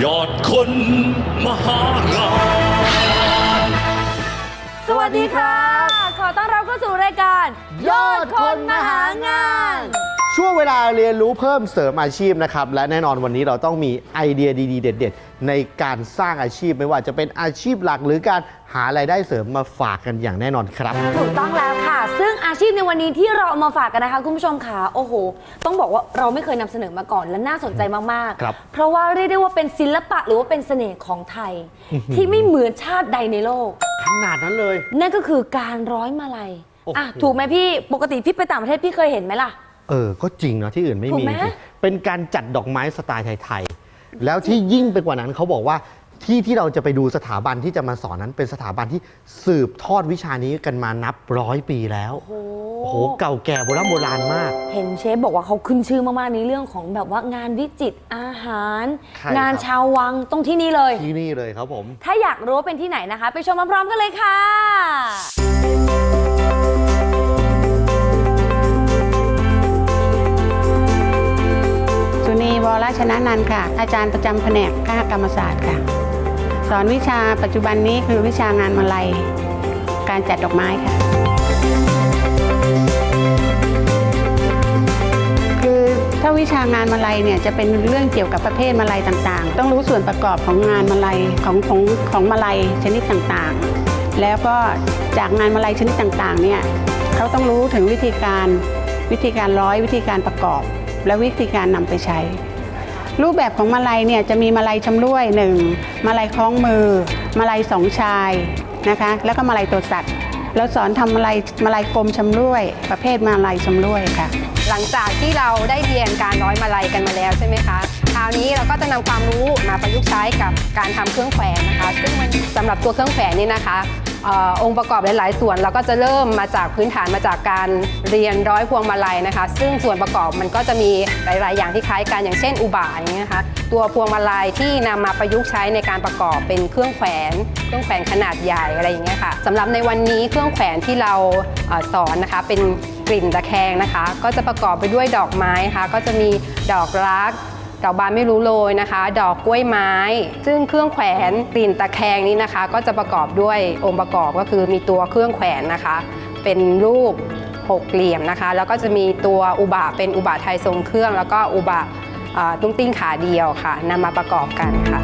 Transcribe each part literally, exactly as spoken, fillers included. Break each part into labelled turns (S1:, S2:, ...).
S1: ยอดคนมหางาน
S2: สวัสดีครับขอต้อนรับเข้าสู่รายการยอดคนมหางาน
S3: ช่วงเวลาเรียนรู้เพิ่มเสริมอาชีพนะครับและแน่นอนวันนี้เราต้องมีไอเดียดีๆเด็ดๆในการสร้างอาชีพไม่ว่าจะเป็นอาชีพหลักหรือการหารายได้เสริมมาฝากกันอย่างแน่นอนครับ
S2: ถูกต้องแล้วค่ะซึ่งอาชีพในวันนี้ที่เราเอามาฝากกันนะคะคุณผู้ชมค่ะโอ้โหต้องบอกว่าเราไม่เคยนำเสนอมาก่อนและน่าสนใจมากๆเพราะว่าเรียกได้ว่าเป็นศิลปะหรือว่าเป็นเสน่ห์ของไทยที่ไม่เหมือนชาติใดในโลก
S3: ขนาดนั้นเลย
S2: นั่นก็คือการร้อยมาลัยอ่ะถูกไหมพี่ปกติพี่ไปต่างประเทศพี่เคยเห็นไหมล่ะ
S3: เออก็จริงนะที่อื่นไม่มีเป็นการจัดดอกไม้สไตล์ไทยๆแล้วที่ยิ่งไปกว่านั้นเขาบอกว่าที่ที่เราจะไปดูสถาบันที่จะมาสอนนั้นเป็นสถาบันที่สืบทอดวิชานี้กันมานับร้อยปีแล้วโอ้โหเก่าแก่โบราณโบราณมาก
S2: เห็นเชฟบอกว่าเขาขึ้นชื่อมากๆในเรื่องของแบบว่างานวิจิตรอาหารงานชาววังตรงที่นี่เลย
S3: ที่นี่เลยครับผม
S2: ถ้าอยากรู้ว่าเป็นที่ไหนนะคะไปชมพร้อมๆกันเลยค่ะ
S4: สุนีวรชนะนันท์ค่ะอาจารย์ประจำแผนกคหกรรมศาสตร์ค่ะสอนวิชาปัจจุบันนี้คือวิชางานมาลัยการจัดดอกไม้ค่ะคือถ้าวิชางานมาลัยเนี่ยจะเป็นเรื่องเกี่ยวกับประเภทมาลัยต่างๆต้องรู้ส่วนประกอบของงานมาลัยของของของมาลัยชนิดต่างๆแล้วก็จากงานมาลัยชนิดต่างๆเนี่ยเขาต้องรู้ถึงวิธีการวิธีการร้อยวิธีการประกอบและวิธีการนำไปใช้รูปแบบของมาลัยเนี่ยจะมีมาลัยชำร่วยหนึ่งมาลัยคล้องมือมาลัยสองชายนะคะแล้วก็มาลัยตัวสัตว์เราสอนทำมาลัยมาลัยกลมชำร่วยประเภทมาลัยชำร่วยค่ะ
S5: หลังจากที่เราได้เรียนการร้อยมาลัยกันมาแล้วใช่ไหมคะคราวนี้เราก็จะนำความรู้มาประยุกต์ใช้กับการทำเครื่องแขวนนะคะซึ่งสำหรับตัวเครื่องแขวนนี่นะคะองค์ประกอบหลายๆส่วนเราก็จะเริ่มมาจากพื้นฐานมาจากการเรียนร้อยพวงมาลัยนะคะซึ่งส่วนประกอบมันก็จะมีหลายๆอย่างที่คล้ายกันอย่างเช่นอุบะอย่างเงี้ยนะคะตัวพวงมาลัยที่นำมาประยุกต์ใช้ในการประกอบเป็นเครื่องแขวนเครื่องแขวนขนาดใหญ่อะไรอย่างเงี้ยค่ะสำหรับในวันนี้เครื่องแขวนที่เราสอนนะคะเป็นกลิ่นตะแคงนะคะก็จะประกอบไปด้วยดอกไม้ค่ะก็จะมีดอกรักดอกบานไม่รู้โรยนะคะดอกกล้วยไม้ซึ่งเครื่องแขวนกลิ่นตะแคงนี้นะคะก็จะประกอบด้วยองค์ประกอบก็คือมีตัวเครื่องแขวนนะคะเป็นรูปหกเหลี่ยมนะคะแล้วก็จะมีตัวอุบะเป็นอุบะไทยทรงเครื่องแล้วก็อุบะตุ้งติ้งขาเดียวค่ะนำมาประกอบกันค่ะ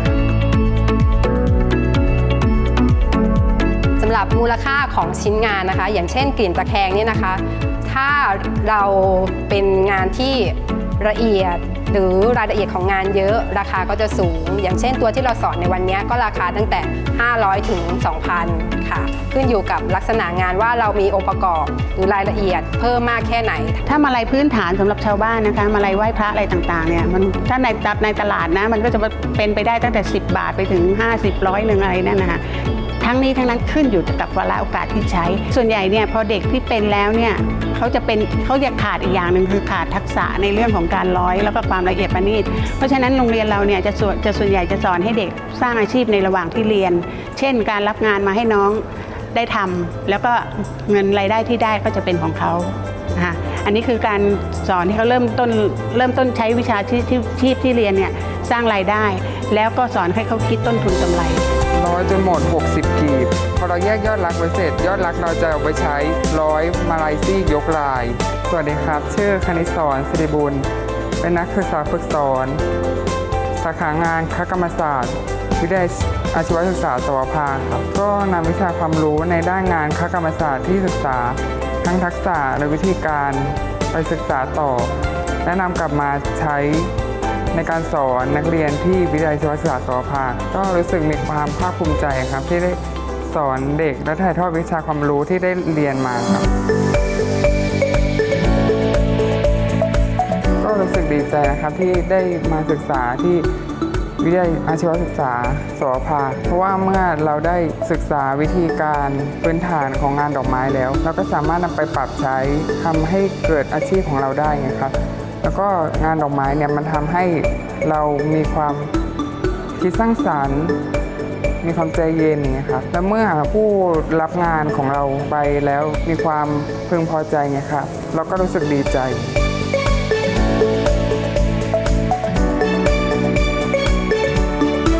S5: สำหรับมูลค่าของชิ้นงานนะคะอย่างเช่นกลิ่นตะแคงนี่นะคะถ้าเราเป็นงานที่ละเอียดหรือรายละเอียดของงานเยอะราคาก็จะสูงอย่างเช่นตัวที่เราสอนในวันนี้ก็ราคาตั้งแต่ห้าร้อยถึง สองพัน ค่ะขึ้นอยู่กับลักษณะงานว่าเรามีองค์ประกอบหรือรายละเอียดเพิ่มมากแค่ไหน
S4: ถ้ามาลัยพื้นฐานสำหรับชาวบ้านนะคะมาลัยไหว้พระอะไรต่างๆเนี่ยมันถ้าในในตลาดนะมันก็จะเป็นไปได้ตั้งแต่สิบบาทไปถึงห้าสิบร้อยหนึ่งอะไรนั่นนะคะทั้งนี้ทั้งนั้นขึ้นอยู่กับวาระโอกาสที่ใช้ส่วนใหญ่เนี่ยพอเด็กที่เป็นแล้วเนี่ยเขาจะเป็นเขาจะขาดอีกอย่างหนึ่งคือขาดทักษะในเรื่องของการร้อยแล้วก็ความละเอียดประณีตเพราะฉะนั้นโรงเรียนเราเนี่ยจะส่วนจะส่วนใหญ่จะสอนให้เด็กสร้างอาชีพในระหว่างที่เรียนเช่นการรับงานมาให้น้องได้ทำแล้วก็เงินรายได้ที่ได้ก็จะเป็นของเขานะคะอันนี้คือการสอนที่เขาเริ่มต้นเริ่มต้นใช้วิชาที่ที่ที่เรียนเนี่ยสร้างรายได้แล้วก็สอนให้เขาคิดต้นทุนกำไร
S6: ร้อยจนหมดหกสิบกีบพอเราแยกยอดรักไว้เสร็จยอดรักเราจะเอาไปใช้ร้อยมาลัยซี่ยกลายสวัสดีครับชื่อคณิตศรศิริบุญเป็นนักศึกษาฝึกสอนสาขางานคกรรมศาสตร์วิทยาลัยอาชีวศึกษาสวภาครับก็นำวิชาความรู้ในด้านงานคกรรมศาสตร์ที่ศึกษาทั้งทักษะและวิธีการไปศึกษาต่อและนำกลับมาใช้ในการสอนนักเรียนที่วิทยาลัยอาชีวศึกษาสวภาก็รู้สึกมีความภาคภูมิใจครับที่ได้สอนเด็กและถ่ายทอดวิชาความรู้ที่ได้เรียนมาครับก็รู้สึกดีใจนะครับที่ได้มาศึกษาที่วิทยาลัยอาชีวศึกษาสวภาเพราะว่าเมื่อเราได้ศึกษาวิธีการพื้นฐานของงานดอกไม้แล้วเราก็สามารถนำไปปรับใช้ทำให้เกิดอาชีพของเราได้ไงครับแล้วก็งานดอกไม้เนี่ยมันทำให้เรามีความคิดสร้างสรรค์มีความใจเย็นนะครับและเมื่อผู้รับงานของเราไปแล้วมีความพึงพอใจไงครับเราก็รู้สึกดีใจ
S3: ค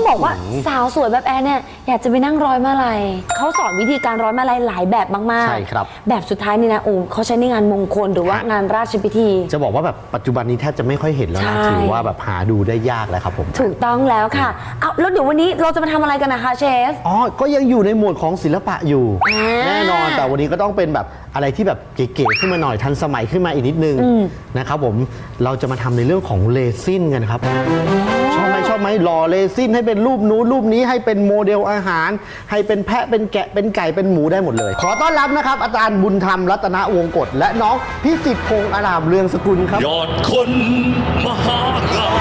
S2: บอกว่าสาวสวยแบบแอนเนี่ยอยากจะไปนั่งร้อยมาลัยเขาสอนวิธีการร้อยมาลัยหลายแบบมากๆ
S3: ใช่ครับ
S2: แบบสุดท้ายนี่นะโอ้เขาใช้ในงานมงคลหรือว่างานราชพิธี
S3: จะบอกว่าแบบปัจจุบันนี้แทบจะไม่ค่อยเห็นแล้วนะ
S2: ใช่
S3: ถือว่าแบบหาดูได้ยากแล้วครับผม
S2: ถูกต้องแล้วค่ะเอาแล้วเดี๋ยววันนี้เราจะมาทำอะไรกันนะคะเชฟ
S3: อ๋อ ก็ยังอยู่ในหมวดของศิลปะอยู่
S2: อ่า
S3: แน่นอน แต่วันนี้ก็ต้องเป็นแบบอะไรที่แบบเก๋ๆขึ้นมาหน่อยทันสมัยขึ้นมาอีกนิดนึง
S2: อืม
S3: นะครับผมเราจะมาทำในเรื่องของเรซินกันครับ ชอบไหมชอบไหมหล่อเรซินให้เป็นรูปนู้นรูปนี้ให้เป็นโมเดลอาหาร ให้เป็นแพะเป็นแกะเป็นไก่เป็นหมูได้หมดเลย ขอต้อนรับนะครับ อาจารย์บุญธรรมรัตนวงศ์กฎและน้องพิสิทธิ์พงษ์อารามเรืองสกุลครับ
S1: ยอดคนมหางาน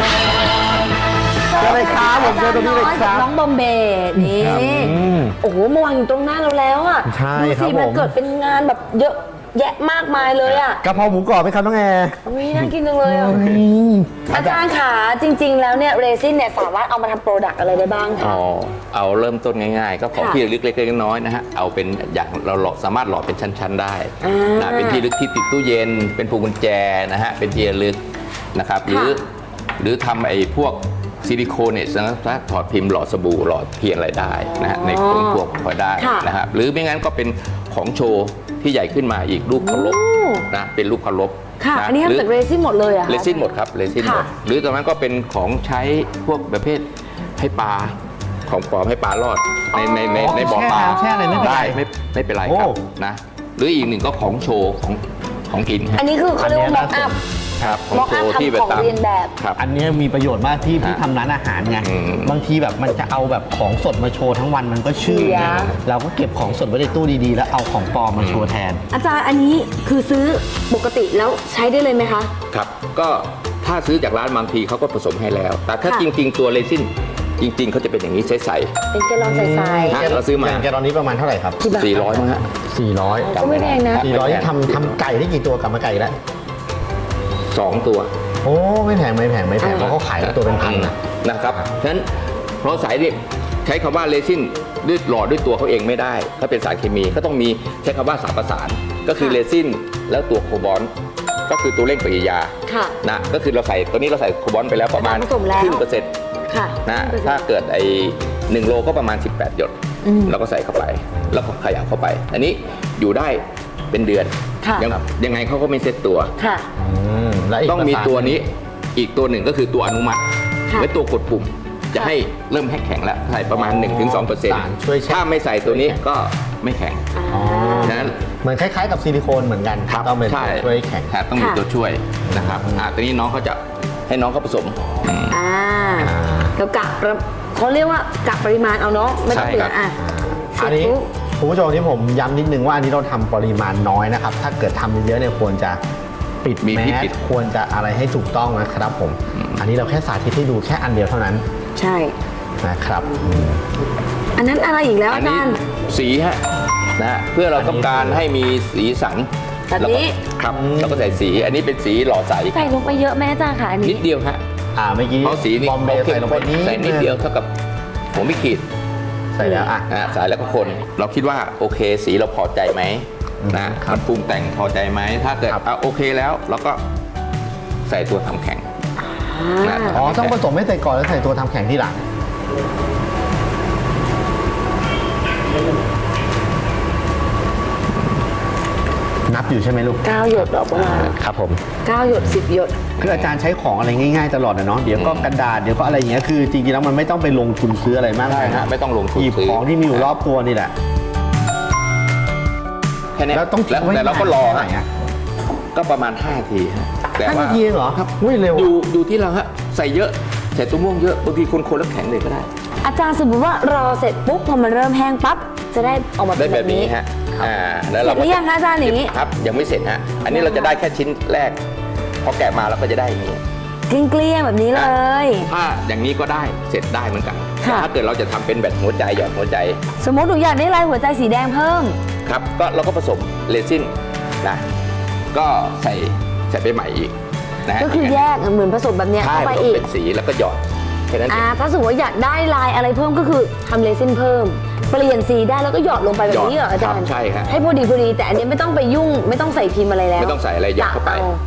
S3: เจอเลยครับผมเจอตรงนี้เลยครับ
S2: น้องบอมเบย์นี่
S3: ครับอืม
S2: โอ้โหมาวางอยู่ตรงหน้าเราแล้วอ่ะ
S3: ใช่
S2: ดู
S3: ครั
S2: สิ
S3: บ
S2: มัน
S3: ผม
S2: เกิดเป็นงานแบบเยอะแยะมากมายเลยอ่ะ
S3: กะเพราหมูกรอบไหมครับน้องแอร์
S2: อุ้ยน่ากินจังเลยอ่ะอาจารย์ขาจริง ๆ แล้วเนี่ยเรซินเนี่ยสามารถเอามาทำโปรดักต์อะไรได้บ้างคะ
S7: อ๋อเอาเริ่มต้นง่ายๆ ก็ของ
S2: ค่ะ
S7: ที่ระลึกเล็กๆน้อยๆนะฮะเอาเป็นอย่างเราหล่อสามารถหล่อเป็นชั้นๆได้
S2: อ่า
S7: นะเป็นที่ระลึกที่ติดตู้เย็น เป็นพวงกุญแจนะฮะเป็นที่ระลึกนะครับหรือ
S2: ค่ะ
S7: หรือทำไอ้พวกซิลิโคนเนี่ยถ้าถอดพิมพ์หล่อสบู่หล่อเทียนอะไรได้นะฮะในพวงพวกพอได้
S2: ค่ะ
S7: นะฮะหรือไม่งั้นก็เป็นของโชว์ที่ใหญ่ขึ้นมาอีกรูปเคารพ
S2: โอ้
S7: นะเป็นรูปเคารพ
S2: ค่ะ
S7: นะ
S2: อันนี้
S7: หรื
S2: ทำจากเรซินหมดเลยเหรอะคะ
S7: เรซินหมดครับเรซินหมด
S2: ค่ะ
S7: หรือตอนนั้นก็เป็นของใช้พวกประเภทให้ปลาของปลอมให้ปลารอดในในในในบ่อปลา
S3: แช่น้ำแช่อะไรไม่เป็นไร
S7: ด้ไม่ไม่เป็นไร
S3: โอ้
S7: ครับนะหรืออีกหนึ่งก็ของโชว์ของของกินฮะ
S2: อันนี้คือเขาเรียกว่า
S3: อั
S2: ม็อน ก
S3: นี้
S2: อัพ
S7: ครับของ
S2: ม็อก
S7: โช
S2: อัพ
S7: ว์ที่
S2: ทำของ
S7: ตาม
S2: เรียนแบบ
S7: ครับ
S3: อันนี้มีประโยชน์มากที่พี่
S7: ฮะ
S3: ทำร้านอาหารไง
S7: อืม
S3: บางทีแบบมันจะเอาแบบของสดมาโชว์ทั้งวันมันก็ชื่อ
S2: เสีย
S3: ไงเราก็เก็บของสดไว้ในตู้ดีๆ แล้วเอาของปลอมมาโชว์แทน
S2: อาจารย์อันนี้คือซื้อปกติแล้วใช้ได้เลยไหมคะ
S7: ครับก็ถ้าซื้อจากร้านบางทีเขาก็ผสมให้แล้ว แต่ถ้า
S2: ค่ะ
S7: จริง ๆ ตัวเรซินจริง ๆเขาจะเป็นอย่างนี้ใส
S2: เป็นแกลลอนใส
S7: ฮะเราซื้อมา
S3: แกตอนนี้ประมาณเท่าไหร่ครับ
S2: กี่บาท
S7: ๆสี่ร้อยมั้งฮะ
S3: สี่ร้อย
S2: ก็ไม่แพงนะ
S3: สี่ร้อยทำทำไก่ได้กี่ตัวกลับมาไก่แล้ว
S7: สองตัว
S3: โอ้ไม่แพงไม่แพงไม่แพงเพราะเขาขายตัวเป็นพันนะ
S7: นะครับฉะนั้นเพราะสายเนี่ยใช้คำว่าเรซินด้วยหล่อด้วยตัวเขาเองไม่ได้เขาเป็นสารเคมีก็ต้องมีใช้คำว่าสารประสาน ก็คือ
S2: ค่ะ
S7: เรซินแล้วตัวโคบอลต์ก็คือตัวเร่งปฏิกิริยา
S2: ค่ะ
S7: นะก็คือเราใส่ตัวนี้เราใส่โคบอลต์ไปแล้วประมาณ
S2: ผสมแล้ว
S7: ครึ่งเปอร์เซ็นต์
S2: ค่ะ
S7: นะถ้าเกิดไอ้หนึ่งโลก็ประมาณสิบแปดหยด
S2: อืม
S7: เราก็ใส่เข้าไป แล้วก็ขยับเข้าไป อันนี้อยู่ได้เป็นเดือน
S2: ค่ะ
S7: ยังยังไงเขาก็ไม่เซ็ตตัว
S2: ค่ะ
S3: อืมและก
S7: ต้องมี
S3: ประสาน
S7: ตัวนี้อีกตัวหนึ่งก็คือตัวอนุมัติ
S2: ค่ะ
S7: และตัวกดปุ่มจะ
S2: ค่ะ
S7: ให้เริ่มให้แข็งแล้วใส่ประมาณ หนึ่งถึงสองเปอร์เซ็นต์
S3: สารช่วยแช่
S7: ถ้าไม่ใส่ตัวนี้ก็ไม่แข็ง
S3: อ๋อ
S7: ฉะนั้น
S3: เหมือนคล้ายๆกับซิลิโคนเหมือนกันต้องเป็น
S7: ใช่
S3: ตัวช่วยแข็ง
S7: ครับต้องมี
S2: ค่ะ
S7: ตัวช่วยนะครับอ่าตัวนี้น้องเขาจะให้น้องเขาผสมอืม
S2: อ่าแล้วกะประเขาเรียกว่ากะปริมาณเอาเนาะไม่ต้อง
S7: ใช่
S2: เผื่
S7: ครั
S2: อบ อ่ะเสร็
S3: อั
S2: จ
S3: นนี้
S2: ปุ๊บ
S3: คุณผู้ชมที่ผมย้ำนิดนึงว่าอันนี้เราทำปริมาณน้อยนะครับ ถ้าเกิดทำเยอะๆเนี่ยควรจะปิด
S7: มี
S3: แม
S7: ที่
S3: ส
S7: ปิด
S3: ควรจะอะไรให้ถูกต้องนะครับผม อันนี้เราแค่สาธิตให้ดูแค่อันเดียวเท่านั้น
S2: ใช่
S3: นะครับอืม
S2: อันนั้นอะไรอีกแล้ว
S7: อั
S2: อาน จา
S7: นี้
S2: รย์
S7: สีฮะนะฮะเพื่อเราต้องการให้มีสีสัน
S2: แบบนี้
S7: แล้วก็ครับเราก็ใส่สีอันนี้เป็นสีหล่อใส
S2: ใส่ลงไปเยอะแม่อาจารย์ค่ะอัน
S7: นิ
S2: นี้
S7: ดเดียวฮะ
S3: อ่าเมื่อกี้
S7: เพราะสีนี้
S3: บอมเบย์ใส่ลงไปนิด
S7: ใส่นิดเดียวเท่ากับผมไม่ขีด
S3: ใส่แล้วอ่ะ
S7: นะฮะใส่แล้วก็คน เราคิดว่าโอเคสีเราพอใจไหมนะครับ มันปรุงแต่งพอใจไหมถ้าเกิด
S3: ครับ
S7: อ่ะโอเคแล้วเราก็ใส่ตัวทำแข็ง
S2: อ่า
S7: นะ
S3: อ๋อต้องผสมให้ใส่ก่อนแล้วใส่ตัวทำแข็งที่หลังนับอยู่ใช่ไหมลูก
S2: เก้าหยดดอกประมาณ
S3: ครับผม
S2: เก้าหยดสิบหยด
S3: คืออาจารย์ใช้ของอะไรง่ายๆตลอดนะเนาะเดี๋ยวก็กระดาษเดี๋ยวก็อะไรอย่างเงี้ยคือจริงๆแล้วมันไม่ต้องไปลงทุนซื้ออะไรมาก
S7: ใช่
S3: มาย
S7: ฮะ
S3: นะ
S7: ไม่ต้องลงทุน
S3: หยิบ
S7: ซื้อ
S3: ของที่มีอยู่รอบตัวนี่แหละ
S7: แค่นี้
S3: แล้วต้องทิ้
S7: แล้ว
S3: งไว้
S7: แต่เราก็รอ
S3: ไหน
S7: ฮะ
S3: อ่ะ
S7: ก็ประมาณห้านาทีฮะแต่
S3: ห้า
S7: ว่า
S3: นาทีเองเหรอครับอุ้ยเร็ว
S7: ดูดูที่เราฮะใส่เยอะใส่ตัวม่วงเยอะบางทีคนๆแล้วแข็งเลยก็ได้
S2: อาจารย์สมมติว่ารอเสร็จปุ๊บพอมันเริ่มแห้งปั๊บจะได้ออกมา
S7: ได้
S2: เป็น
S7: แบ
S2: แบบ บ
S7: นี้
S2: นี้
S7: ฮะอ่าแล้ว
S2: เสร็
S7: เรา
S2: จหรือยังคะอาจารย์อย่างนี้
S7: ครับยังไม่เสร็จฮะอันนี้เราจะได้แค่ชิ้นแรกพอแกะมาเราก็จะได้อย่างนี้
S2: เกลี้ยงๆแบบนี้เลย
S7: ถ้าอย่างนี้ก็ได้เสร็จได้เหมือนกัน
S2: ค่ะ
S7: แต่ถ้าเกิดเราจะทำเป็นแบบหัวใจหยอดหัวใจ
S2: สมมติหนูอยากได้ลายหัวใจสีแดงเพิ่ม
S7: ครับก็เราก็ผสมเรซินนะก็ใส่ใส่ไปใหม่อีกนะฮะ
S2: ก็คือแยกเหมือนผสมแบบเนี้ย
S7: ใช่
S2: เข้าไป
S7: ผสม
S2: อีก
S7: เป็นสีแล้วก็หยอดแค่นั้นเอ
S2: อ่าง ถ้าสมมติว่าอยากได้ลายอะไรเพิ่มก็คือทำเลซินเพิ่ม เปลี่ยนสีได้แล้วก็หยอดลงไปแบบนี้เหรออาจาร
S7: ค
S2: ย์
S7: บใช่ครับ
S2: ให้พอดีพอดีแต่อันนี้ไม่ต้องไปยุ่งไม่ต้องใส่พิมพ์อะไรแล้ว
S7: ไม่ต้องใส่อะไรหยอดเข้าไป
S2: อ
S7: ครับ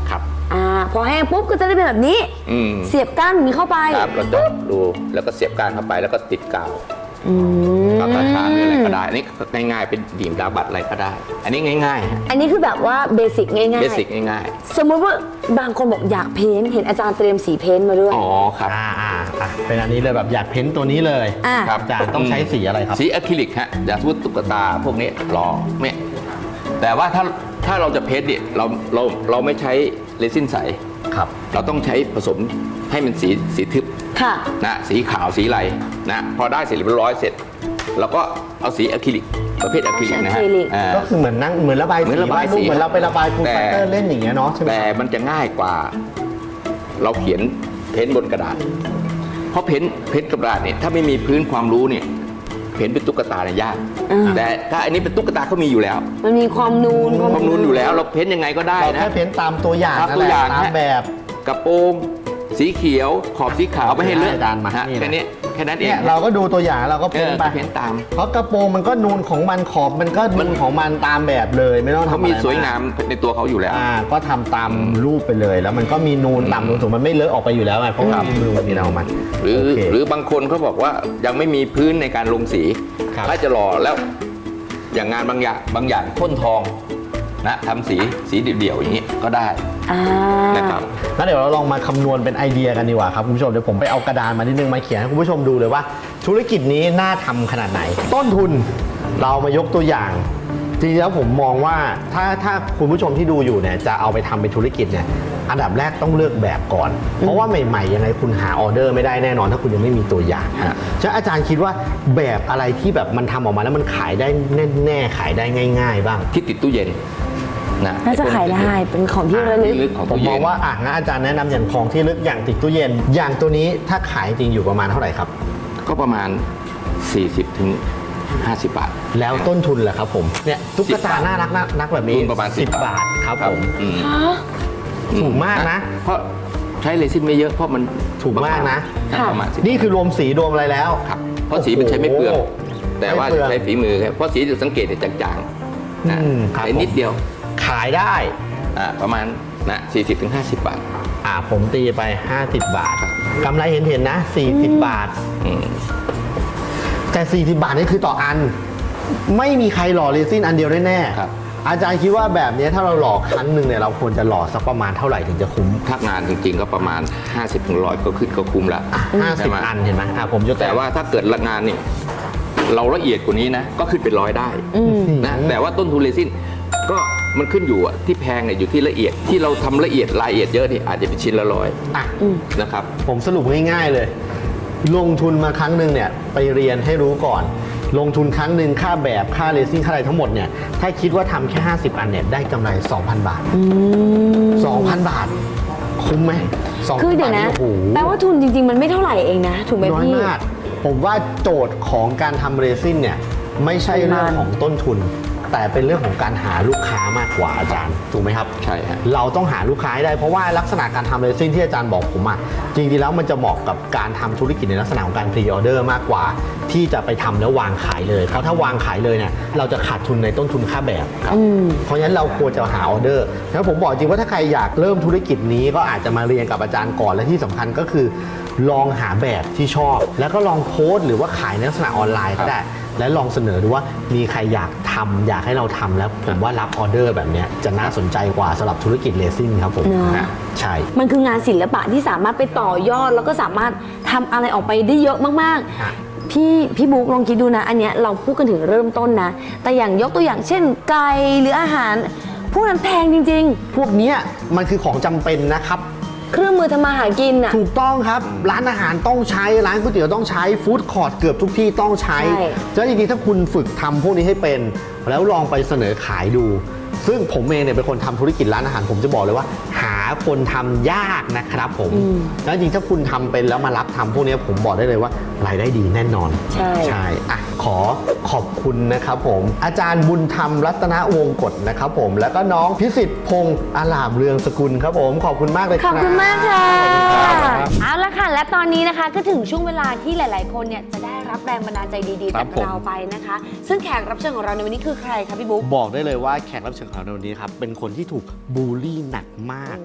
S2: อ่าพอแห้งปุ๊บก็จะได้เป็นแบบนี้
S7: อืม
S2: เสียบก้านนี้เข้าไป
S7: ครับเราเจาะดูแล้วก็เสียบก้านเข้าไปแล้วก็ติดกาว
S2: อืม
S7: ก็กระชากหรืออะไรก็ได้อันนี้ง่ายๆเป็นบีมดาบัตอะไรก็ได้ อันนี้ง่ายๆฮะ
S2: อันนี้คือแบบว่าเบสิกง่ายๆ
S7: เบสิกง่าย
S2: สมมติว่าบางคนบอกอยากเพ้นท์เห็นอาจารย์เตรียมสีเพ้นท์มาด้วย
S7: ๆอ๋อครับ
S3: อ่าอ่าอ่ะเป็นอันนี้เลยแบบอยากเพ้นตัวนี้เลย
S2: อ่ะ
S3: ครับอาจารย์ต้องใช้สีอะไรครับ
S7: สีอะคริลิกฮะอย่างสมมติตุ๊กตาพวกนี้หล่อเนี่ยแต่ว่าถ้าถ้าเราจะเพ้นท์เนี่ยเราเราเราไม่ใช้เรซินใส
S3: ครับ
S7: เราต้องใช้ผสมให้มันสีสีทึบ
S2: ค่ะ
S7: นะสีขาวสีอะไรนะพอได้เสร็จเรียบร้อยเสร็จเราก็เอาสีอะคริลิกประเภทอะคริลิกนะฮะ
S2: อะคริลิก
S7: อ่า
S3: ก็คือเหมือนนั่งเหมือนระบาย
S7: เหมื
S3: สี
S7: อนระบายสี
S3: วดรูปเหมือนเราไประบายฟูล
S7: แต่
S3: ไฟเตอร์เล่นอย่างเงี้ยเนาะใช่ไหม
S7: แต่มันจะง่ายกว่า เราเขียนเพ้นท์บนกระดาษ เพราะเพ้นท์เพ้นท์กระดาษเนี่ยถ้าไม่มีพื้นความรู้เนี่ยเพ้นท์เป็นตุ๊กตาเนี่ยยาก
S2: อ่า
S7: แต่ถ้าอันนี้เป็นตุ๊กตาเขามีอยู่แล้ว
S2: มันมีความนูน
S7: ความนูนอยู่แล้วเราเพ้นท์ยังไงก็ได้
S3: เรา
S7: นะ
S3: แค่เพ้นตามตัวอย่าง
S7: ตาม
S3: นั่น
S7: ตัว
S3: แหละ
S7: อย่าง
S3: ตาม
S7: ฮะ
S3: แบบ
S7: กระโปรงสีเขียวขอบสีขาวไม่ให้เลอะ
S3: อาจารย์มา
S7: ฮะ
S3: นี่นะ
S7: แค่นี้แค่นั้นเอ
S3: เนี่
S7: ง
S3: ยเราก็ดูตัวอย่างเราก็
S7: เอ
S3: เพ้น
S7: อ
S3: ไป
S7: ก็เพ้นท์ตาม
S3: เพราะกระโปรงมันก็นูนของมันขอบมันก็นูนของมันตามแบบเลยไม่ต้องทำ
S7: เขา
S3: อะไร
S7: มีสวยงามในตัวเขาอยู่แล้ว
S3: อ่าก็ทำตามรูปไปเลย แล้วมันก็มีนูนต่ำนูนสูงมันไม่เลอะออกไปอยู่แล้วไงเพราะว่ามีมือมันมีเรามัน
S7: หรือ
S3: โอเค
S7: หรือบางคนเขาบอกว่ายังไม่มีพื้นในการลงสี
S3: ครับ
S7: ถ้าจะหล่อแล้วอย่างงานบางอย่างบางอย่างพ่นทองนะทำสีสีเดี่ยวๆอย่างนี้ก็ได้
S2: อ่า
S7: นะครับ
S3: งั้นเดี๋ยวเราลองมาคำนวณเป็นไอเดียกันดีกว่าครับคุณผู้ชมเดี๋ยวผมไปเอากระดานมานิดนึงมาเขียนให้คุณผู้ชมดูเลยว่า ธุรกิจนี้น่าทำขนาดไหน ต้นทุนเรามายกตัวอย่าง จริงๆแล้วผมมองว่าถ้าถ้าคุณผู้ชมที่ดูอยู่เนี่ยจะเอาไปทำเป็นธุรกิจเนี่ยอันดับแรกต้องเลือกแบบก่อน เพราะว่าใหม่ๆยังไงคุณหาออเดอร์ไม่ได้แน่นอนถ้าคุณยังไม่มีตัวอย่าง
S7: ฮะ
S3: ฉะนั้นอาจารย์คิดว่าแบบอะไรที่แบบมันทำออกมาแล้วมันขายได้แน่ๆขายได้ง่าย ๆ บ้าง
S7: ที่ติดตู้เย็นนะ
S2: น่าจะขายได้เป็นของที่ระลึก
S7: ที่ลึกของ
S3: ผม
S7: ตู้
S3: ม
S7: เย็
S3: อง
S7: น
S3: ว่าอ่ะงั้นอาจารย์แนะนำอย่างของที่ลึกอย่างติดตู้เย็น อย่างตัวนี้ถ้าขายจริงอยู่ประมาณเท่าไหร่ครับ
S7: ก็ประมาณ สี่สิบถึงห้าสิบ บาท
S3: แล้วต้นทุนล่ะครับผมเนี่ยตุ๊กตาน่ารักน่ารักแบบนี้
S7: ทุนประมาณ
S3: สิ
S7: สิ
S3: บบ บาทครับผม
S7: อืม
S3: ถูกมากนะ
S7: เพราะใช้เรซินไม่เยอะเพราะมัน
S3: ถูกมากนะ
S7: ครับประมาณสิบ
S3: นี่คือรวมสีรวมอะไรแล้ว
S7: ครับเพราะสีมันใช้ไม่เปลือง
S3: โโห
S7: แต่ว่า
S3: ไม่เปลือง
S7: ใช้ฝีมือครับเพราะสีจะสังเกตเนี่ยจางๆนะ
S3: อืมครับ
S7: ใช้นิดเดียว
S3: ขายได้
S7: อ่าประมาณนะสี่สิบถึงห้าสิบ บาท
S3: อ่าผมตีไป ห้าสิบบาทกำไรเห็นเห็นๆนะ สี่สิบบาท
S7: อืม
S3: แต่ สี่สิบบาทนี่คือต่ออัน ไม่มีใครหล่อเรซินอันเดียวแน่ๆ
S7: ครับ
S3: อาจารย์คิดว่าแบบนี้ถ้าเราหล่อครั้งหนึ่งเนี่ยเราควรจะหล่อสักประมาณเท่าไหร่ถึงจะคุ้ม
S7: ถ้างานจริงๆก็ประมาณ ห้าสิบถึงหนึ่งร้อย ก็ขึ้นก็คุ้มแล้ว
S3: ห้า
S7: ใช่
S3: สิบ
S7: ไหม
S3: อันเห็นไหมอ่ะผมจะ
S7: แต่ว่าถ้าเกิดละงานนี่เราละเอียดกว่านี้นะ ก็ขึ้นเป็นร้อยได้นะแต่ว่าต้นทุนเรซินก็มันขึ้นอยู่อะที่แพงเนี่ยอยู่ที่ละเอียดที่เราทำละเอียดรายละเอียดเยอะนี่อาจจะเป็นชิ้นละร้อย
S3: อ่ะ
S7: นะครับ
S3: ผมสรุปง่ายๆเลย ลงทุนมาครั้งหนึ่งเนี่ยไปเรียนให้รู้ก่อน ลงทุนครั้งหนึ่งค่าแบบค่าเรซิ่งค่าอะไรทั้งหมดเนี่ยถ้าคิดว่าทำแค่ ห้าสิบ อันเนี่ยได้กำไร สองพัน บาท สองพัน บาท คุ้มไหมสองพัน
S2: คือเดี๋ยวนะ
S3: บาทโอ้โห
S2: แปลว่าทุนจริง ๆ มันไม่เท่าไหร่เองนะ ถูกไหม
S3: น้อย
S2: พี่
S3: มาก ผมว่าโจทย์ของการทำเรซินเนี่ยไม่ใช่เรื่องของต้นทุน แต่เป็นเรื่องของการหาลูกค้ามากกว่าอาจารย์ถูกไหมครับ
S7: ใช่ฮะ
S3: เราต้องหาลูกค้าให้ได้เพราะว่าลักษณะการทำเรซินที่อาจารย์บอกผมอะจริงๆแล้วมันจะเหมาะกับการทำธุรกิจในลักษณะของการพรีออเดอร์มากกว่า ที่จะไปทำแล้ววางขายเลยเพราะถ้าวางขายเลยเนี่ยเราจะขาดทุนในต้นทุนค่าแบบครับเพราะฉะนั้นเราควรจะหาออเดอร์แล้วผมบอกจริงว่าถ้าใครอยากเริ่มธุรกิจนี้ก็อาจจะมาเรียนกับอาจารย์ก่อนและที่สำคัญก็คือ ลองหาแบบที่ชอบ แล้วก็ลองโพสต์หรือว่าขายในลักษณะออนไลน์ก็ได้ และลองเสนอดูว่ามีใครอยากทำอยากให้เราทำแล้วผมว่ารับออเดอร์แบบเนี้ยจะน่าสนใจกว่าสำหรับธุรกิจเรซิ่งครับผม
S2: เนอะ
S3: ฮะใช่
S2: มันคืองานศิลปะที่สามารถไปต่อยอด แล้วก็สามารถทำอะไรออกไปได้เยอะมาก
S3: ฮะ
S2: ๆ พี่พี่บุ๊กลองคิดดูนะ อันเนี้ยเราพูดกันถึงเริ่มต้นนะ แต่อย่างยกตัวอย่างเช่น ไก่หรืออาหาร พวกนั้นแพงจริง
S3: พวกเนี้ยมันคือของจำเป็นนะครับ
S2: ๆ เครื่องมือทำมาหากินอ่ะ
S3: ถูกต้องครับร้านอาหารต้องใช้ร้านก๋วยเตี๋ยวต้องใช้ฟู้ดคอร์ทเกือบทุกที่ต้องใช้
S2: ใช่
S3: ฉะนั้นจริงๆถ้าคุณฝึกทำพวกนี้ให้เป็น แล้วลองไปเสนอขายดู ซึ่งผมเองเนี่ยเป็นคนทำธุรกิจร้านอาหารผมจะบอกเลยว่า หาคนทำยากนะครับผมแล้วจริงๆถ้าคุณทำเป็นแล้วมารับทำพวกนี้ผมบอกได้เลยว่ารายได้ดีแน่นอน
S2: ใช่
S3: ใช่อ่ะขอขอบคุณนะครับผมอาจารย์บุญธรรมรัตนวงศ์กฎนะครับผมแล้วก็น้องพิสิทธิ์พงษ์อาลามเรืองสกุลครับผมขอบคุณมากเลยค
S2: ข
S3: รั
S2: อ
S3: บบ
S2: คุณมากค่ะ
S3: ครับ
S2: เอาละค่ะ และตอนนี้นะคะก็ถึงช่วงเวลาที่หลาย ๆ คนเนี่ยจะได้รับแรงบันดาลใจดีๆ
S3: ครั
S2: จา
S3: บ
S2: ก
S3: ผม
S2: เราไปนะคะ ซึ่งแขกรับเชิญของเราในวันนี้คือใครคะพี่บุ๊ก
S3: บอกได้เลยว่าแขกรับเชิญของเราในวันนี้ครับเป็นคนที่ถูกบูลลี่หนักมาก
S2: โอ้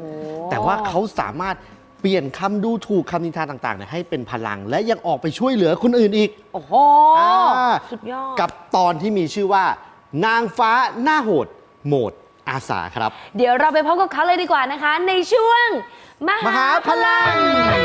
S3: แต่ว่าเขาสามารถเปลี่ยนคำดูถูกคำนินทาต่างๆเนี่ยให้เป็นพลัง และยังออกไปช่วยเหลือคนอื่นอีก
S2: โอ้โห
S3: อ่า
S2: สุดยอด
S3: กับตอนที่มีชื่อว่า นางฟ้าหน้าโหดโหมดอาสาครับ
S2: เดี๋ยวเราไปพบกับเขาเลยดีกว่านะคะ ในช่วง ม
S3: มหาพลัง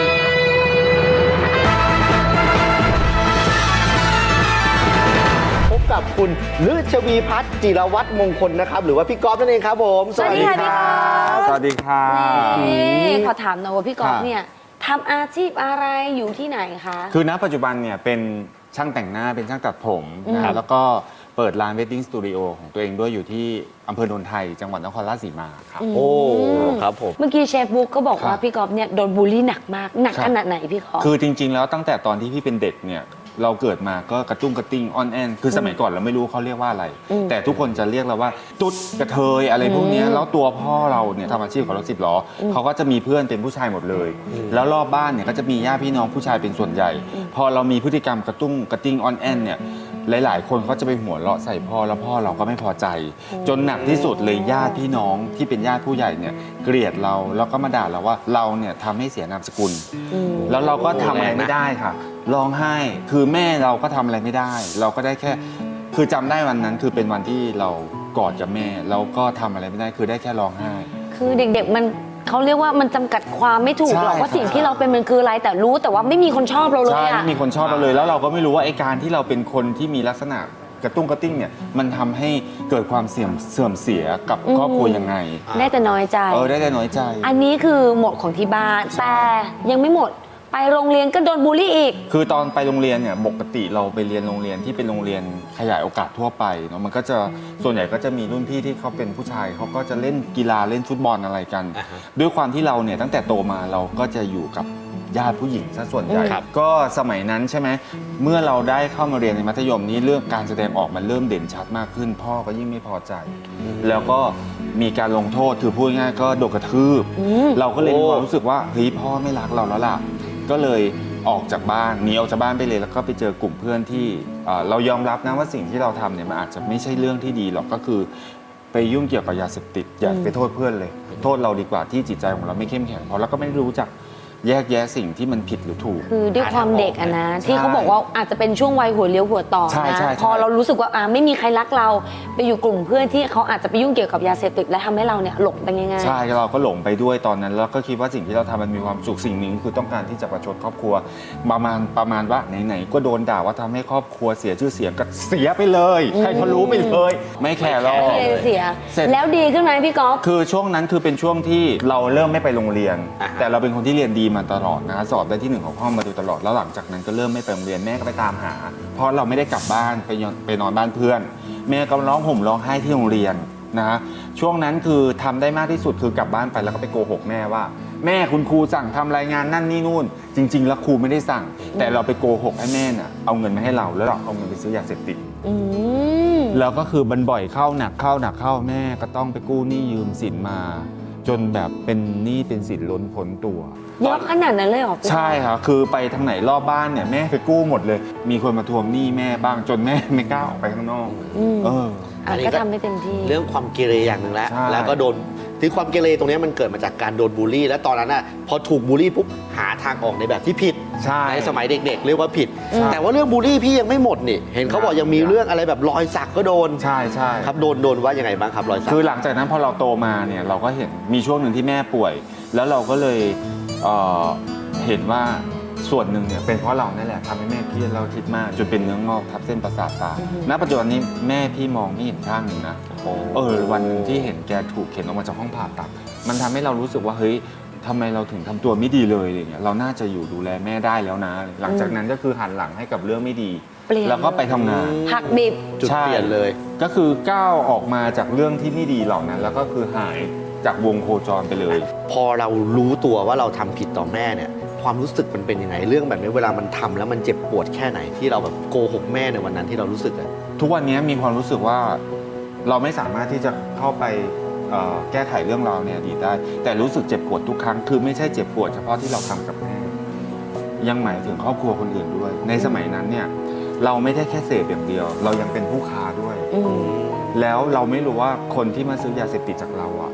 S3: พบกับคุณฤชวีพัฒน์จิรวัตรมงคลนะครับ หรือว่าพี่ก๊อฟนั่นเองครับผม
S2: สวัสดีค่ะพี่ก๊อฟ
S6: สวัสดีค่ะ
S2: นี่ขอถามหน่อยว่าพี่ก๊อฟ
S6: ค่ะ
S2: เนี่ยทำอาชีพอะไรอยู่ที่ไหนคะ
S8: คือณปัจจุบันเนี่ยเป็นช่างแต่งหน้าเป็นช่างตัดผมนะ
S2: ครั
S8: ฮะ
S2: บ
S8: แล้วก็เปิดร้านเวดดิ้งสตูดิโอของตัวเองด้วยอยู่ที่อำเภอโนนไทย จังหวัดนครราชสีมาครับ
S3: โอ้ครับผม
S2: เมื่อกี้เชฟบุ๊กก็บอกว่า
S8: ครับ
S2: พี่ก๊อฟเนี่ยโดนบูลลี่หนักมาก หนัก
S8: ครับ
S2: ขนาดไหนพี่ก๊อฟ
S8: คือจริง ๆ แล้วตั้งแต่ตอนที่พี่เป็นเด็กเนี่ยเราเกิดมาก็กระตุ้งกระติ้งออนแอนคือสมัยก่อนเราไม่รู้เขาเรียกว่าอะไร
S2: อืม
S8: แต่ทุกคนจะเรียกเราว่าตุ๊ดกระเทยอะไรพวกเนี้ย
S2: อืม
S8: แล้วตัวพ่อเราเนี่ยทำอาชีพของรถสิบล้ออเขาก็จะมีเพื่อนเป็นผู้ชายหมดเลย แล้วรอบบ้านเนี่ยก็จะมีญาติพี่น้องผู้ชายเป็นส่วนใหญ่ พอเรามีพฤติกรรมกระตุ้งกระติ้งออนแอนเนี่ยหลาย ๆ คนเขาจะไปหัวเราะใส่พ่อแล้วพ่อเราก็ไม่พอใจ จนหนักที่สุดเลยญาติพี่น้องที่เป็นญาติผู้ใหญ่เนี่ยเกลียดเราแล้วก็มาด่าเราว่าเราเนี่ยทำให้เสียนามสกุล แล้วเราก็ทำอะไรไม่ได้ค่ะร้องไห้ คือแม่เราก็ทำอะไรไม่ได้ เราก็ได้แค่ คือจำได้วันนั้นคือเป็นวันที่เรากอดกับแม่เราก็ทำอะไรไม่ได้ คือได้แค่ร้องไห้
S2: คือเด็กๆมันเขาเรียกว่ามันจำกัดความไม่ถูกหรอก
S8: ใช่
S2: ว่าสิ่ง
S8: ครับ
S2: ที่เราเป็นมันคืออะไรแต่รู้แต่ว่าไม่มีคนชอบเราเลย
S8: ใช่
S2: อะ
S8: ไม่มีคนชอบเราเลย แล้วเราก็ไม่รู้ว่าไอ้การที่เราเป็นคนที่มีลักษณะกระตุ้งกระติ้งเนี่ยมันทำให้เกิดความเสื่อมเสื่อมเสียกับครอบครัวยังไง
S2: ได้แต่น้อยใจ
S8: เออได้แต่น้อยใจ
S2: อันนี้คือหมดของที่บ้านแต่ยังไม่หมดไปโรงเรียนก็โดนบูลลี่อีก
S8: คือตอนไปโรงเรียนเนี่ยปกติเราไปเรียนโรงเรียนที่เป็นโรงเรียนขยายโอกาสทั่วไปเนาะมันก็จะส่วนใหญ่ก็จะมีรุ่นพี่ที่เขาเป็นผู้ชายเขาก็จะเล่นกีฬาเล่นฟุตบอลอะไรกัน
S3: อ่าฮะ
S8: ด้วยความที่เราเนี่ยตั้งแต่โตมาเราก็จะอยู่กับญาติผู้หญิงซะส่วนใหญ่
S3: ครับ
S8: ก็สมัยนั้นใช่ไหมเมื่อเราได้เข้ามาเรียนในมัธยมนี้เรื่องการแสดงออกมันเริ่มเด่นชัดมากขึ้น พ่อก็ยิ่งไม่พอใจ แล้วก็มีการลงโทษคือพูดง่ายๆก็โดนกระทืบ
S2: อืม
S8: เราก็เลยมี
S3: โอ้
S8: ความรู้สึกว่าเฮ้ยพ่อไม่รักเราแล้วล่ะ ก็เลยออกจากบ้านหนีออกจากบ้านไปเลยแล้วก็ไปเจอกลุ่มเพื่อนที่เอ่อเรายอมรับนะว่าสิ่งที่เราทำเนี่ยมันอาจจะไม่ใช่เรื่องที่ดีหรอกก็คือไปยุ่งเกี่ยวกับยาเสพติดอย่าไปโทษเพื่อนเลย โทษเราดีกว่าที่จิตใจของเราไม่เข้มแข็งพอแล้วก็ไม่รู้จักแยกแยะสิ่งที่มันผิดหรือถูก
S2: คือด้วยความเด็กอะนะ ที่เขาบอกว่าอาจจะเป็นช่วงวัยหัวเลี้ยวหัวต่อ
S8: ใช่
S2: นะ
S8: ใช่
S2: พอเรารู้สึกว่าอ่าไม่มีใครรักเราไปอยู่กลุ่มเพื่อนที่เขาอาจจะไปยุ่งเกี่ยวกับยาเสพติดและทำให้เราเนี่ยหลงไปง่ายๆ
S8: ใช่เราก็หลงไปด้วยตอนนั้น แล้วก็คิดว่าสิ่งที่เราทำมันมีความสุขสิ่งหนึ่งคือต้องการที่จะประชดครอบครัวประมาณประมาณว่าไหนๆก็โดนด่าว่าทำให้ครอบครัวเสียชื่อเสียงก็เสียไปเลยใครเขารู้ไปเลย ไม่แคร์หรอก
S2: ไม่ได้เสีย
S8: เสร็จ
S2: แล้วดีขึ้นไหมพี่ก๊อฟ
S8: คือช่วงนั้นคือเป็นช่วงที่เราเริ่มไม่ไปโรงเรียน
S3: อ่าฮะ
S8: แต่เราเป็นคนที่เรียนดีมาตลอดนะสอบได้ที่หนึ่งของห้องมาโดยตลอดแล้วหลังจากนั้นก็เริ่มไม่ไปโรงเรียนแม่ก็ไปตามหา เพราะเราไม่ได้กลับบ้านไปนอนไปนอนบ้านเพื่อน แม่ก็ร้องห่มร้องไห้ที่โรงเรียนนะฮะช่วงนั้นคือทำได้มากที่สุดคือกลับบ้านไปแล้วก็ไปโกหกแม่ว่า แม่คุณครูสั่งทำรายงานนั่นนี่นู่น จริง ๆ แล้วครูไม่ได้สั่ง แต่เราไปโกหกให้แม่น่ะเอาเงินมาให้เราแล้วเราเอาเงินไปซื้อยาเสพติด
S2: อืม
S8: แล้วก็คือมันบ่อยเข้าหนักเข้าหนักเข้าแม่ก็ต้องไปกู้หนี้ยืมสินมา จนแบบเป็นหนี้เป็นสินล้นพ้นตัว
S2: เยอะขนาดนั้นเลยเหรอพี่
S8: ใช่ครับคือไปทางไหนรอบบ้านเนี่ยแม่ไปกู้หมดเลย มีคนมาทวงหนี้แม่บ้างจนแม่ไม่กล้าออกไปข้างนอก
S2: อืม
S8: เออ
S2: อ่ะก็ทำได้เต็มที่
S3: เรื่องความเกเรอย่างหนึ่งแล้ว
S8: ใช่
S3: แล้วก็โดนที่ความเกเรตรงนี้มันเกิดมาจากการโดนบูลลี่ แล้วตอนนั้นน่ะพอถูกบูลลี่ปุ๊บหาทางออกในแบบที่ผิด
S8: ใช่
S3: ในสมัยเด็กๆ เรียกว่าผิด
S8: ใช่
S3: แต่ว่าเรื่องบูลลี่พี่ยังไม่หมดนี่เห็นเขาบอกยังมีเรื่องอะไรแบบรอยสักก็โดน
S8: ใช่ใช่
S3: ครับโดนโดนว่ายังไงบ้างครับรอยสัก
S8: คือหลังจากนั้นพอเราโตมาเนี่ยเราก็เห็นมีช่วงหนึ่งที่แม่ป่วย แล้วเราก็เลยเอ่อเห็นว่าส่วนหนึ่งเนี่ยเป็นเพราะเรานั่นแหละทำให้แม่เครียดเราคิดมากจนเป็นเนื้องอกทับเส้นประสาทตาณปัจจุบันนี้แม่พี่มองไม่เห็นข้างหนึ่งนะเออวันหนึ่งที่เห็นแกถูกเข็นออกมาจากห้องผ่าตัดมันทำให้เรารู้สึกว่าเฮ้ยทำไมเราถึงทำตัวไม่ดีเลยอะไรเงี้ยเราน่าจะอยู่ดูแลแม่ได้แล้วนะ หลังจากนั้นก็คือหันหลังให้กับเรื่องไม่ดี
S2: เปลี่ยน
S8: แล้วก็ไปทำงาน
S2: หักดิบ
S3: จุด
S8: ใช่
S3: เปลี่ยนเลย
S8: ก็คือก้าวออกมาจากเรื่องที่ไม่ดีเหล่านั้น แล้วก็คือหายจากวงโคจรไปเลย
S3: พอเรารู้ตัวว่าเราทำผิดต่อแม่เนี่ยความรู้สึกมันเป็นยังไงเรื่องแบบนี้เวลามันทำแล้วมันเจ็บปวดแค่ไหนที่เราแบบโกหกแม่ในวันนั้นที่เรารู้สึกอะ
S8: ทุกวันนี้มีความรู้สึกว่าเราไม่สามารถที่จะเข้าไปเอ่อแก้ไขเรื่องราวในอดีตได้ แต่รู้สึกเจ็บปวดทุกครั้งคือไม่ใช่เจ็บปวดเฉพาะที่เราทำกับแม่ยังหมายถึงครอบครัวคนอื่นด้วย ในสมัยนั้นเนี่ยเราไม่ได้แค่เสพอย่างเดียว เรายังเป็นผู้ค้าด้วย
S2: อืม
S8: แล้วเราไม่รู้ว่าคนที่มาซื้อยาเสพติดจากเราอ่ะ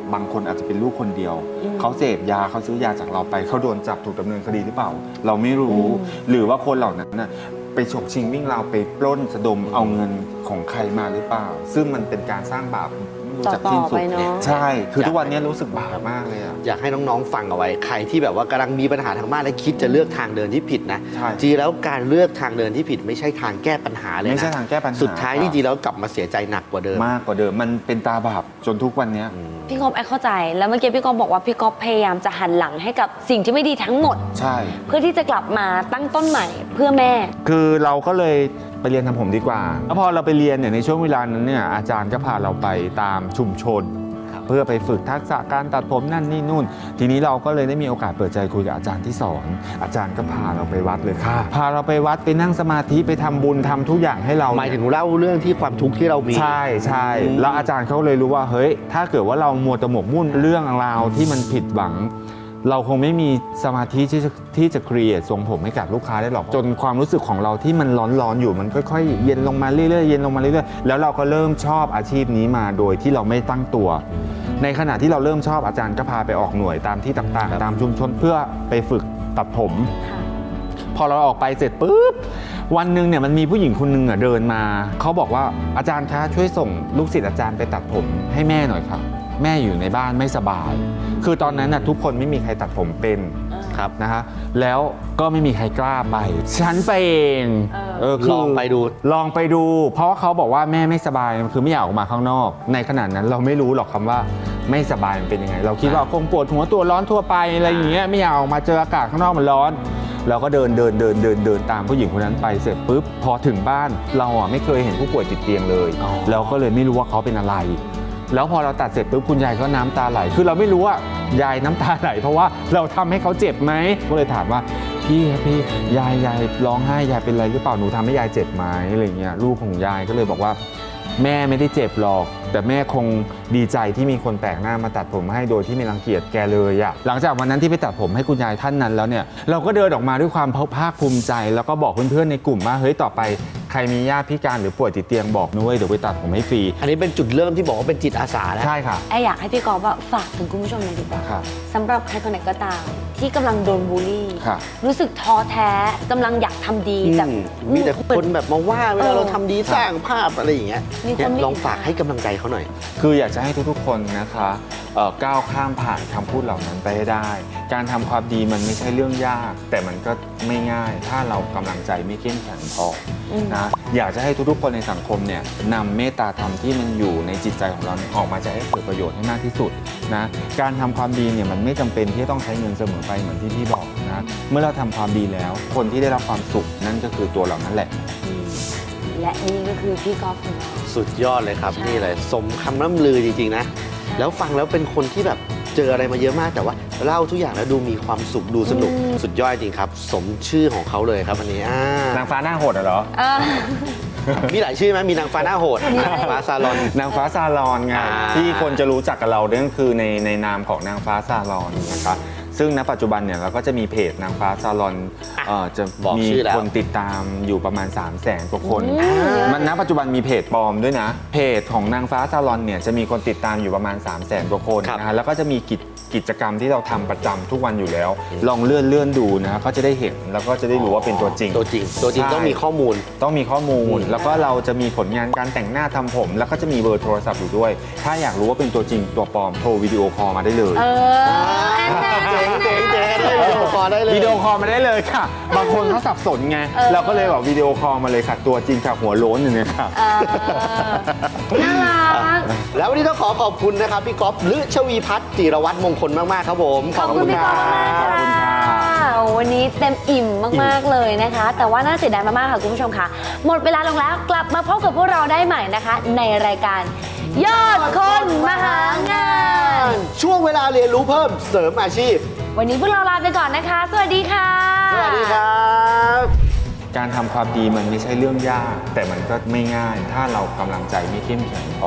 S8: บางคนอาจจะเป็นลูกคนเดียวเขาเสพยาเขาซื้อยาจากเราไปเขาโดนจับถูกดำเนินคดีหรือเปล่า เราไม่รู้ หรือว่าคนเหล่านั้นน่ะไปฉกชิงวิ่งราวไปปล้นสะดมเอาเงินของใครมาหรือเปล่า ซึ่งมันเป็นการสร้างบาปจากสิ้นสุดใช่คือทุกวันนี้รู้สึกบาปมากเลยอะ
S3: อยากให้น้องๆฟังเอาไว้ใครที่แบบว่ากำลังมีปัญหาทางบ้านและคิดจะเลือกทางเดินที่ผิดนะจริงแล้วการเลือกทางเดินที่ผิดไม่ใช่ทางแก้ปัญหาเลยนะ
S8: ไม่ใช่ทางแก้ปัญหา
S3: สุดท้ายจริงๆแล้วกลับมาเสียใจหนักกว่าเดิม
S8: มากกว่าเดิมมันเป็นตาบาปจนทุกวันนี้
S2: พี่ก๊อฟแอคเข้าใจแล้วเมื่อกี้พี่ก๊อฟบอกว่าพี่ก๊อฟพยายามจะหันหลังให้กับสิ่งที่ไม่ดีทั้งหมด
S8: ใช่
S2: เพื่อที่จะกลับมาตั้งต้นใหม่เพื่อแม่
S8: คือเราก็เลยไปเรียนทำผมดีกว่าแล้วพอเราไปเรียนเนี่ยในช่วงเวลานั้นเนี่ยอาจารย์ก็พาเราไปตามชุมชนเพื่อไปฝึกทักษะการตัดผมนั่นนี่นู่นทีนี้เราก็เลยได้มีโอกาสเปิดใจคุยกับอาจารย์ที่สอนอาจารย์ก็พาเราไปวัดเลยค่ะพาเราไปวัดไปนั่งสมาธิไปทำบุญทำทุกอย่างให้เรา
S3: หมายถึงเล่าเรื่องที่ความทุกข์ที่เรามี
S8: ใช่ใช่แล้วอาจารย์เขาเลยรู้ว่าเฮ้ยถ้าเกิดว่าเรามัวแต่หมกมุ่นเรื่องราวที่มันผิดหวังเราคงไม่มีสมาธิที่จะที่จะครีเอททรงผมให้กับลูกค้าได้หรอกจนความรู้สึกของเราที่มันร้อนๆอยู่มันค่อยๆเย็นลงมาเรื่อยๆเย็นลงมาเรื่อยๆแล้วเราก็เริ่มชอบอาชีพนี้มาโดยที่เราไม่ตั้งตัวในขณะที่เราเริ่มชอบอาจารย์ก็พาไปออกหน่วยตามที่ต่างๆตามชุมชนเพื่อไปฝึกตัดผมพอเราออกไปเสร็จปุ๊บวันหนึ่งเนี่ยมันมีผู้หญิงคนหนึ่งอ่ะเดินมาเขาบอกว่าอาจารย์คะช่วยส่งลูกศิษย์อาจารย์ไปตัดผมให้แม่หน่อยครับแม่อยู่ในบ้านไม่สบายคือตอนนั้นน่ะทุกคนไม่มีใครตัดผมเป็นครับนะฮะแล้วก็ไม่มีใครกล้าไปฉันไปเอง
S3: เออลองไปดู
S8: ลองไปดูเพราะว่าเขาบอกว่าแม่ไม่สบายคือไม่อยากออกมาข้างนอกในขณะนั้นเราไม่รู้หรอกคำว่าไม่สบายมันเป็นยังไงเราคิดว่าคงปวดหัวตัวร้อนทั่วไปอะไรอย่างเงี้ยไม่อยากออกมาเจออากาศข้างนอกมันร้อนเราก็เดินเดินเดินเดินเดินตามผู้หญิงคนนั้นไปเสร็จปุ๊บพอถึงบ้านเราอ่ะไม่เคยเห็นผู้ป่วยติดเตียงเลยเราก็เลยไม่รู้ว่าเขาเป็นอะไรแล้วพอเราตัดเสร็จปุ๊บคุณยายก็น้ำตาไหลคือเราไม่รู้ว่ายายน้ำตาไหลเพราะว่าเราทำให้เขาเจ็บไหมก็เลยถามว่าพี่ครับพี่ยายยายร้องไห้ยายเป็นอะไรหรือเปล่าหนูทำให้ยายเจ็บไหมอะไรเงี้ยลูกของยายก็เลยบอกว่าแม่ไม่ได้เจ็บหรอกแต่แม่คงดีใจที่มีคนแปลกหน้ามาตัดผมให้โดยที่ไม่รังเกียจแกเลยอะหลังจากวันนั้นที่ไปตัดผมให้คุณยายท่านนั้นแล้วเนี่ยเราก็เดินออกมาด้วยความภาคภูมิใจแล้วก็บอกเพื่อนๆในกลุ่มว่าเฮ้ยต่อไปใครมีญาติพิการหรือป่วยติดเตียงบอกนุ้ยเดี๋ยวไปตัดผมให้ฟรี
S3: อันนี้เป็นจุดเริ่มที่บอกว่าเป็นจิตอาสาแล้ว
S8: ใช่ค่ะ
S2: ไออยากให้พี่กอล์ฟฝากถึงคุณผู้ชมหน่อยดีกว่าสำหรับใครคนไหนก็ตามที่กำลังโดนบูลลี่รู้สึกท้อแท้กำลังอยากทำดีแต่
S3: มีแต่คนแบบมาว่าเวลาเราทำดีสร้างภาพอะไรอย่างเงี้ยลองฝากให้กำลังใจเขาหน่อย
S8: คืออยากจะให้ทุกๆคนนะคะก้าวข้ามผ่านคำพูดเหล่านั้นไปให้ได้การทำความดีมันไม่ใช่เรื่องยากแต่มันก็ไม่ง่ายถ้าเรากำลังใจไม่เข้มแข็งพอนะอยากจะให้ทุกๆคนในสังคมเนี่ยนำเมตตาธรรมที่มันอยู่ในจิตใจของเราออกมาจะให้เกิดประโยชน์ให้มากที่สุดนะการทำความดีเนี่ยมันไม่จำเป็นที่จะต้องใช้เงินเสมอไปเหมือนที่พี่บอกนะเมื่อเราทำความดีแล้วคนที่ได้รับความสุขนั่นก็คือตัวเรานั่นแหละ
S2: และนี่ก็คือพี่กอล์ฟของเรา
S3: สุดยอดเลยครับนี่เลยสมคำล่ำลือจริงๆนะแล้วฟังแล้วเป็นคนที่แบบเจออะไรมาเยอะมากแต่ว่าเล่าทุกอย่างแล้วดูมีความสุขดูสนุกสุดยอดจริงครับสมชื่อของเขาเลยครับอันนี้
S8: นางฟ้าหน้าโหดเหรอ
S3: มีหลายชื่อไหมมีนางฟ้าหน้าโหดนางฟ้าซาลอน
S8: นางฟ้าซาลอนไงที่คนจะรู้จักกับเราเนี่ยคือในในนามของนางฟ้าซาลอนนะครับซึ่งณปัจจุบันเนี่ยเราก็จะมีเพจนางฟ้าซาลอนจะมีคนติดตามอยู่ประมาณ สามแสน กว่าคนมันณปัจจุบันมีเพจปลอมด้วยนะเพจของนางฟ้าซาลอนเนี่ยจะมีคนติดตามอยู่ประมาณ สามแสน กว่าคนนะฮะแล้วก็จะมีกิจกิจกรรมที่เราทำประจำทุกวันอยู่แล้วลองเลื่อนเลื่อนดูนะก็จะได้เห็นแล้วก็จะได้รู้ว่าเป็นตัวจริง
S3: ตัวจริงตัวจริงต้องมีข้อมูล
S8: ต้องมีข้อมูลแล้วก็เราจะมีผลงานการแต่งหน้าทำผมแล้วก็จะมีเบอร์โทรศัพท์อยู่ด้วยถ้าอยากรู้ว่าเป็นตัวจริงตัวปลอมโทรวิดีโอคอลมาได้เลย
S3: เจ๋งเจ๋งเจ๋งได้วิดีโอคอลได้เลย
S8: วิดีโอคอลมาได้เลยค่ะบางคนเขาสับสนไงเราก็เลยบอกวิดีโอคอลมาเลยค่ะตัวจริงค่ะหัวโล้นอย่างนี้ค่ะ
S2: น่ารัก
S3: แล้ววันนี้ต้องขอขอบคุณนะครับพี่ก๊อฟฤชวีพัฒน์จิรวัฒน์มงคลมากๆครับผม
S2: ขอบคุณพี่ก๊อฟมากค่ะวันนี้เต็มอิ่มมากๆเลยนะคะแต่ว่าน่าเสียดายมากๆค่ะคุณผู้ชมค่ะหมดเวลาลงแล้วกลับมาพบกับพวกเราได้ใหม่นะคะในรายการยอดคนมหางาน
S3: ช่วงเวลาเรียนรู้เพิ่มเสริมอาชีพ
S2: วันนี้พวกเราลาไปก่อนนะคะสวัสดีค่ะ
S3: สวัสดีครับ
S8: การทำความดีมันไม่ใช่เรื่องยากแต่มันก็ไม่ง่ายถ้าเรากำลังใจไม่เข้มแข็งพ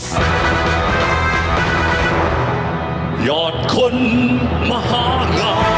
S8: อย
S1: อดคนมหางาน